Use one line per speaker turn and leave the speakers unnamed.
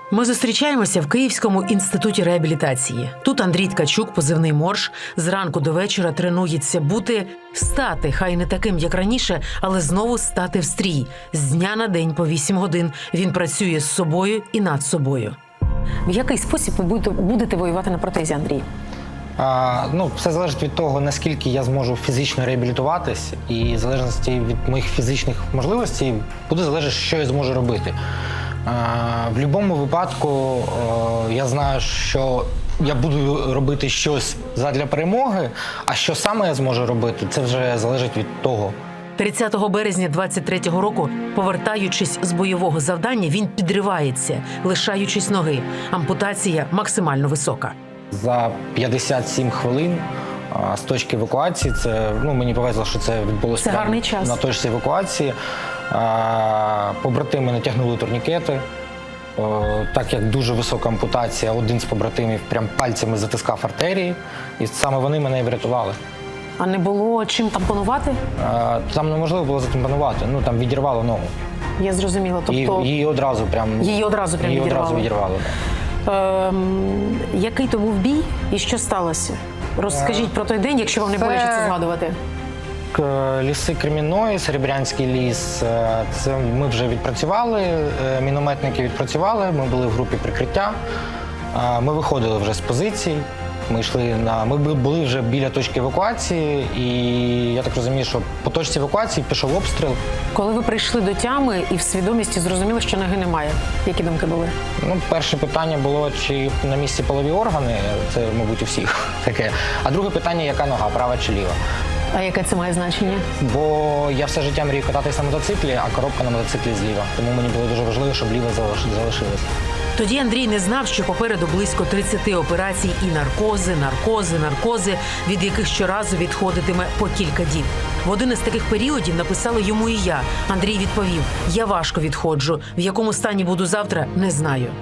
Ми зустрічаємося в Київському інституті реабілітації. Тут Андрій Ткачук, позивний Морж, зранку до вечора тренується стати, хай не таким, як раніше, але знову стати в стрій. З дня на день по 8 годин він працює з собою і над собою. В який спосіб ви будете воювати на протезі, Андрій?
Все залежить від того, наскільки я зможу фізично реабілітуватись, і в залежності від моїх фізичних можливостей буде залежати, що я зможу робити. В будь-якому випадку я знаю, що я буду робити щось задля перемоги, а що саме я зможу робити, це вже залежить від того.
30 березня 23-го року, повертаючись з бойового завдання, він підривається, лишаючись ноги. Ампутація максимально висока.
За 57 хвилин з точки евакуації, мені повезло, що це відбулося на точці евакуації. Побратими натягнули турнікети. Так як дуже висока ампутація, один з побратимів прям пальцями затискав артерії, і саме вони мене і врятували.
А не було чим тампонувати?
Там неможливо було затампонувати, там відірвало ногу.
Я зрозуміла. Тобто...
Її одразу відірвало.
Який то був бій і що сталося? Розкажіть про той день, якщо вам не боляче це згадувати.
Ліси Кремінної, Серебрянський ліс, це ми вже відпрацювали, мінометники відпрацювали, ми були в групі прикриття, ми виходили вже з позицій, ми були вже біля точки евакуації, і я так розумію, що по точці евакуації пішов обстріл.
Коли ви прийшли до тями і в свідомості зрозуміли, що ноги немає, які думки були?
Перше питання було, чи на місці полові органи, це, мабуть, у всіх таке. А друге питання, яка нога, права чи ліва?
А яке це має значення?
Бо я все життя мрію кататися на мотоциклі, а коробка на мотоциклі зліва. Тому мені було дуже важливо, щоб ліва залишилася.
Тоді Андрій не знав, що попереду близько 30 операцій і наркози, від яких щоразу відходитиме по кілька діб. В один із таких періодів написала йому і я. Андрій відповів: «Я важко відходжу. В якому стані буду завтра, не знаю».